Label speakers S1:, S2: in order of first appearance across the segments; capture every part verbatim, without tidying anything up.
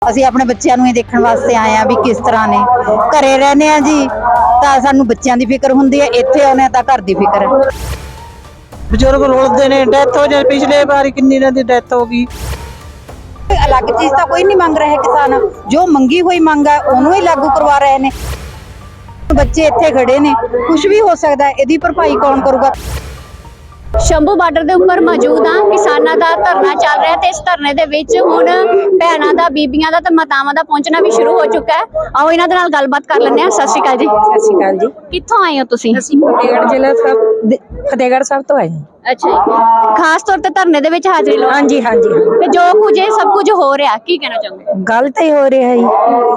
S1: ਅਸੀਂ ਆਪਣੇ ਬੱਚਿਆਂ ਨੂੰ ਇਹ ਦੇਖਣ ਵਾਸਤੇ ਆਏ ਆ ਵੀ ਕਿਸ ਤਰ੍ਹਾਂ ਨੇ ਘਰੇ ਰਹਿੰਦੇ ਆ ਜੀ ਤਾਂ ਸਾਨੂੰ ਬੱਚਿਆਂ ਦੀ ਫਿਕਰ ਹੁੰਦੀ ਹੈ, ਇੱਥੇ ਆਉਣੇ ਤਾਂ ਘਰ ਦੀ ਫਿਕਰ ਹੈ।
S2: ਬਜ਼ੁਰਗ ਰੋਲਦੇ ਨੇ, ਡੈਥ ਹੋ ਜਾਏ, ਪਿਛਲੇ ਵਾਰੀ ਕਿੰਨੀ ਇਹਨਾਂ ਦੀ ਡੈਥ ਹੋ ਗਈ।
S1: ਅਲੱਗ ਚੀਜ਼ ਤਾਂ ਕੋਈ ਨਹੀਂ ਮੰਗ ਰਿਹਾ ਕਿਸਾਨ, ਜੋ ਮੰਗੀ ਹੋਈ ਮੰਗ ਹੈ ਉਹਨੂੰ ਹੀ ਲਾਗੂ ਕਰਵਾ ਰਹੇ ਨੇ। ਬੱਚੇ ਇੱਥੇ ਖੜੇ ਨੇ, ਕੁਝ ਵੀ ਹੋ ਸਕਦਾ ਹੈ, ਇਹਦੀ ਭਰਪਾਈ ਕੌਣ ਕਰੂਗਾ।
S3: ਸ਼ੰਭੂ ਬਾਰਡਰ ਦੇ ਉੱਪਰ ਮੌਜੂਦ ਹਾਂ। ਕਿਸਾਨਾਂ ਦਾ ਧਰਨਾ ਚੱਲ ਰਿਹਾ ਤੇ ਇਸ ਧਰਨੇ ਦੇ ਵਿੱਚ ਹੁਣ ਭੈਣਾਂ ਦਾ, ਬੀਬੀਆਂ ਦਾ ਤੇ ਮਾਤਾਵਾਂ ਦਾ ਪਹੁੰਚਣਾ ਵੀ ਸ਼ੁਰੂ ਹੋ ਚੁੱਕਾ ਹੈ। ਆਓ ਇਹਨਾਂ ਦੇ ਨਾਲ ਗੱਲਬਾਤ ਕਰ ਲੈਂਦੇ ਹਾਂ। ਸਤਿ ਸ਼੍ਰੀ ਅਕਾਲ ਜੀ।
S4: ਸਤਿ ਸ਼੍ਰੀ ਅਕਾਲ ਜੀ।
S3: ਕਿੱਥੋਂ ਆਏ ਹੋ ਤੁਸੀਂ?
S4: ਅਸੀਂ ਫਤਿਹਗੜ੍ਹ ਜ਼ਿਲ੍ਹਾ ਸਾਹਿਬ ਫਤਿਹਗੜ੍ਹ ਸਾਹਿਬ ਤੋਂ ਆਏ ਹਾਂ।
S3: ਅੱਛਾ ਜੀ, ਖਾਸ ਤੌਰ ਤੇ ਧਰਨੇ ਦੇ ਵਿੱਚ ਹਾਜ਼ਰੀ ਲਓ।
S4: ਹਾਂਜੀ ਹਾਂਜੀ
S3: ਤੇ ਜੋ ਕੁਝ ਇਹ ਸਭ ਕੁਝ ਹੋ ਰਿਹਾ, ਕੀ ਕਹਿਣਾ ਚਾਹੁੰਦੇ?
S4: ਗਲਤ ਹੀ ਹੋ ਰਿਹਾ ਜੀ।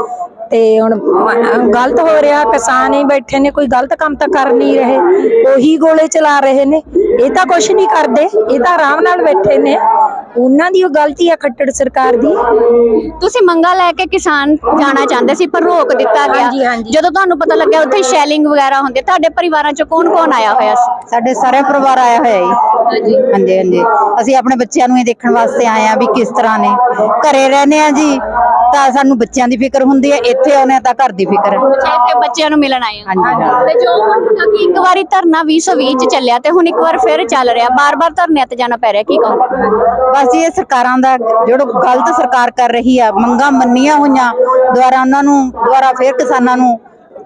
S4: ਤੇ ਹੁਣ ਗਲਤ ਹੋ ਰਿਹਾ, ਕਿਸਾਨ ਹੀ ਬੈਠੇ ਨੇ, ਕੋਈ ਗਲਤ ਕੰਮ ਤਾਂ ਕਰ ਨਹੀਂ ਰਹੇ, ਉਹੀ ਗੋਲੇ ਚਲਾ ਰਹੇ ਨੇ। ਇਹ ਤਾਂ ਕੁਛ ਨਹੀਂ ਕਰਦੇ, ਇਹ ਤਾਂ ਆਰਾਮ ਨਾਲ ਬੈਠੇ ਨੇ। ਉਹਨਾਂ ਦੀ ਉਹ ਗਲਤੀ ਆ ਖੱਟੜ ਸਰਕਾਰ ਦੀ।
S3: ਤੁਸੀਂ ਮੰਗਾ ਲੈ ਕੇ ਕਿਸਾਨ ਜਾਣਾ ਚਾਹੁੰਦੇ ਸੀ ਪਰ ਰੋਕ ਦਿੱਤਾ ਗਿਆ।
S4: ਹਾਂਜੀ, ਹਾਂਜੀ।
S3: ਜਦੋਂ ਤੁਹਾਨੂੰ ਪਤਾ ਲੱਗਿਆ ਉੱਥੇ ਸ਼ੈਲਿੰਗ ਵਗੈਰਾ ਹੁੰਦੀ, ਤੁਹਾਡੇ ਪਰਿਵਾਰਾਂ ਚੋਂ ਕੌਣ ਕੌਣ ਆਇਆ ਹੋਇਆ ਸੀ?
S1: ਸਾਡੇ ਸਾਰੇ ਪਰਿਵਾਰ ਆਇਆ ਹੋਇਆ ਜੀ। ਹਾਂਜੀ ਹਾਂਜੀ, ਅਸੀਂ ਆਪਣੇ ਬੱਚਿਆਂ ਨੂੰ ਇਹ ਦੇਖਣ ਵਾਸਤੇ ਆਏ ਆ ਵੀ ਕਿਸ ਤਰ੍ਹਾਂ ਨੇ ਘਰੇ ਰਹਿੰਦੇ ਆ ਜੀ ਤਾਂ ਸਾਨੂੰ ਬੱਚਿਆਂ ਦੀ ਫਿਕਰ ਹੁੰਦੀ ਹੈ, ਇੱਥੇ ਆਉਣੇ ਤਾਂ ਘਰ ਦੀ ਫਿਕਰ ਹੈ।
S3: ਅੱਛਾ, ਇੱਥੇ ਬੱਚਿਆਂ ਨੂੰ ਮਿਲਣ ਆਏ ਹੋ।
S1: ਹਾਂਜੀ।
S3: ਤੇ ਜੋ ਹੁਣ ਕਿਉਂਕਿ ਇੱਕ ਵਾਰੀ ਧਰਨਾ ਵੀਹ ਸੌ ਵੀਹ ਚ ਚੱਲਿਆ ਤੇ ਹੁਣ ਇੱਕ ਵਾਰ ਫਿਰ ਚੱਲ ਰਿਹਾ, ਬਾਰ-ਬਾਰ ਧਰਨਿਆਂ ਤੇ ਜਾਣਾ ਪੈ ਰਿਹਾ, ਕੀ ਕਹੋਗੇ?
S1: ਬਸ ਜੀ ਇਹ ਸਰਕਾਰਾਂ ਦਾ ਜਿਹੜਾ ਗਲਤ ਸਰਕਾਰ ਕਰ ਰਹੀ ਆ, ਮੰਗਾਂ ਮੰਨੀਆਂ ਹੋਈਆਂ ਦੁਆਰਾ ਉਹਨਾਂ ਨੂੰ ਦੁਆਰਾ ਫਿਰ ਕਿਸਾਨਾਂ ਨੂੰ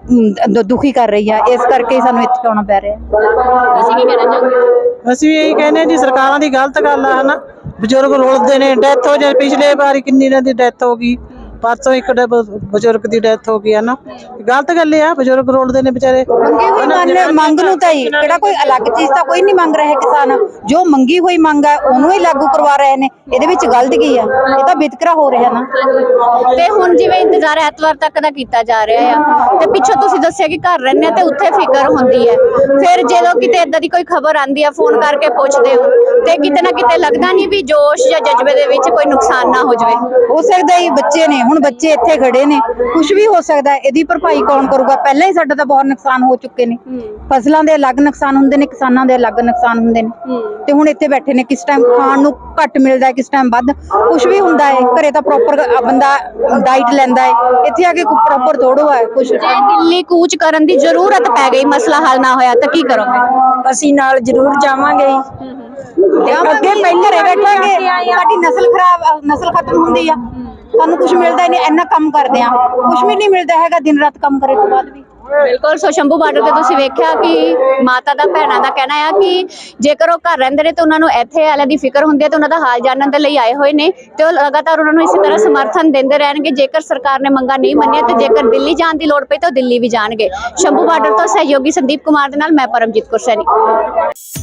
S1: ਅਮ, ਦੁਖੀ ਕਰ ਰਹੀ ਆ, ਇਸ ਕਰਕੇ ਹੀ ਸਾਨੂੰ ਇੱਥੇ ਆਉਣਾ ਪੈ ਰਿਹਾ।
S3: ਤੁਸੀਂ ਕੀ ਕਹਿਣਾ ਚਾਹੋਗੇ?
S2: ਅਸੀਂ ਵੀ ਇਹੀ ਕਹਿੰਦੇ ਜੀ, ਸਰਕਾਰਾਂ ਦੀ ਗਲਤ ਗੱਲ ਆ ਹਨਾ। ਬਜ਼ੁਰਗ ਰੋਲਦੇ ਨੇ, ਡੈਥ ਹੋ ਜਾਏ, ਪਿਛਲੇ ਵਾਰੀ ਕਿੰਨੀ ਇਹਨਾਂ ਦੀ ਡੈਥ ਹੋ ਗਈ। ਪਰਸੋਂ ਇੱਕ ਬਜ਼ੁਰਗ ਦੀ ਡੈਥ ਹੋ ਗਈ ਹੈ ਨਾ। ਗਲਤ ਗੱਲ ਆ, ਬਜ਼ੁਰਗ ਰੋਲਦੇ ਨੇ ਵਿਚਾਰੇ।
S1: ਮੰਗੀ ਹੋਈ ਮੰਗ ਮੰਗ ਨੂੰ ਤਾਂ ਹੀ ਕਿਹੜਾ ਕੋਈ ਅਲੱਗ ਚੀਜ਼ ਤਾਂ ਕੋਈ ਨਹੀਂ ਮੰਗ ਰਿਹਾ ਕਿਸਾਨ, ਜੋ ਮੰਗੀ ਹੋਈ ਮੰਗ ਹੈ ਉਹਨੂੰ ਹੀ ਲਾਗੂ ਕਰਵਾ ਰਹੇ ਨੇ। ਇਹਦੇ ਵਿੱਚ ਗਲਤ ਕੀ ਆ? ਇਹ ਤਾਂ ਵਿਤਕਰਾ ਹੋ ਰਿਹਾ ਨਾ।
S3: ਤੇ ਹੁਣ ਜਿਵੇਂ ਇੰਤਜ਼ਾਰ ਐਤਵਾਰ ਤੱਕ ਦਾ ਕੀਤਾ ਜਾ ਰਿਹਾ ਆ ਤੇ ਪਿੱਛੋਂ ਤੁਸੀਂ ਦੱਸਿਆ ਕਿ ਘਰ ਰਹਿੰਦੇ ਆ ਤੇ ਉੱਥੇ ਫਿਕਰ ਹੁੰਦੀ ਹੈ, ਫਿਰ ਜਦੋਂ ਕਿਤੇ ਏਦਾਂ ਦੀ ਕੋਈ ਖਬਰ ਆਂਦੀ ਆ ਫੋਨ ਕਰਕੇ ਪੁੱਛਦੇ ਹੋ ਤੇ ਕਿਤੇ ਨਾ ਕਿਤੇ ਲੱਗਦਾ ਨਹੀਂ ਵੀ ਜੋਸ਼ ਜਾਂ ਜਜ਼ਬੇ ਦੇ ਵਿੱਚ ਕੋਈ ਨੁਕਸਾਨ ਨਾ ਹੋ ਜਾਵੇ?
S1: ਹੋ ਸਕਦਾ ਹੀ ਬੱਚੇ ਨੇ, ਹੁਣ ਬੱਚੇ ਇੱਥੇ ਖੜੇ ਨੇ, ਕੁਝ ਵੀ ਹੋ ਸਕਦਾ ਹੈ, ਇਹਦੀ ਭਰਪਾਈ ਕੌਣ ਕਰੂਗਾ। ਪਹਿਲਾਂ ਹੀ ਸਾਡਾ ਤਾਂ ਬਹੁਤ ਨੁਕਸਾਨ ਹੋ ਚੁੱਕੇ ਨੇ। ਫਸਲਾਂ ਦੇ ਅਲੱਗ ਨੁਕਸਾਨ ਹੁੰਦੇ ਨੇ, ਕਿਸਾਨਾਂ ਦੇ ਅਲੱਗ ਨੁਕਸਾਨ ਹੁੰਦੇ ਨੇ। ਤੇ ਹੁਣ ਇੱਥੇ ਬੈਠੇ ਨੇ, ਕਿਸ ਟਾਈਮ ਖਾਣ ਨੂੰ ਘੱਟ ਮਿਲਦਾ ਹੈ, ਕਿਸ ਟਾਈਮ ਵੱਧ, ਕੁਝ ਵੀ ਹੁੰਦਾ ਹੈ। ਘਰੇ ਤਾਂ ਪ੍ਰੋਪਰ ਬੰਦਾ ਡਾਈਟ ਲੈਂਦਾ ਹੈ, ਇੱਥੇ ਆ ਕੇ ਪ੍ਰੋਪਰ ਥੋੜੋ ਹੈ ਕੁਝ।
S3: ਜੇ ਦਿੱਲੀ ਕੂਚ ਕਰਨ ਦੀ ਜ਼ਰੂਰਤ ਪੈ ਗਈ, ਮਸਲਾ ਹੱਲ ਨਾ ਹੋਇਆ ਤਾਂ ਕੀ ਕਰੋਗੇ?
S4: ਅਸੀਂ ਨਾਲ ਜ਼ਰੂਰ ਜਾਵਾਂਗੇ।
S1: ਅੱਗੇ ਪਹਿਲੇ ਰਹਿ ਬੈਠਾਂਗੇ, ਸਾਡੀ ਨਸਲ ਖਰਾਬ, ਨਸਲ ਖਤਮ ਹੁੰਦੀ ਆ, ਸਾਨੂੰ ਕੁਝ ਮਿਲਦਾ ਹੀ ਨਹੀਂ। ਇੰਨਾ ਕੰਮ ਕਰਦੇ ਆ, ਕੁਝ ਵੀ ਨਹੀਂ ਮਿਲਦਾ ਹੈਗਾ, ਦਿਨ ਰਾਤ ਕੰਮ ਕਰੇ ਤੋਂ ਬਾਅਦ ਵੀ।
S3: ਬਿਲਕੁਲ। ਸੋ ਸ਼ੰਭੂ ਬਾਰਡਰ ਤੇ ਤੁਸੀਂ ਵੇਖਿਆ ਕਿ ਮਾਤਾ ਦਾ, ਭੈਣਾਂ ਦਾ ਕਹਿਣਾ ਆ ਕਿ ਜੇਕਰ ਉਹ ਘਰ ਰਹਿੰਦੇ ਨੇ ਤੇ ਉਹਨਾਂ ਨੂੰ ਇੱਥੇ ਵਾਲਿਆਂ ਦੀ ਫਿਕਰ ਹੁੰਦੀ ਹੈ ਤੇ ਉਹਨਾਂ ਦਾ ਹਾਲ ਜਾਣਨ ਦੇ ਲਈ ਆਏ ਹੋਏ ਨੇ ਤੇ ਉਹ ਲਗਾਤਾਰ ਉਹਨਾਂ ਨੂੰ ਇਸੇ ਤਰ੍ਹਾਂ ਸਮਰਥਨ ਦਿੰਦੇ ਰਹਿਣਗੇ। ਜੇਕਰ ਸਰਕਾਰ ਨੇ ਮੰਗਾਂ ਨਹੀਂ ਮੰਨੀਆਂ ਤੇ ਜੇਕਰ ਦਿੱਲੀ ਜਾਣ ਦੀ ਲੋੜ ਪਈ ਤਾਂ ਉਹ ਦਿੱਲੀ ਵੀ ਜਾਣਗੇ। ਸ਼ੰਭੂ ਬਾਰਡਰ ਤੋਂ ਸਹਿਯੋਗੀ ਸੰਦੀਪ ਕੁਮਾਰ ਦੇ ਨਾਲ ਮੈਂ ਪਰਮਜੀਤ ਕੌਰ ਸੈਣੀ।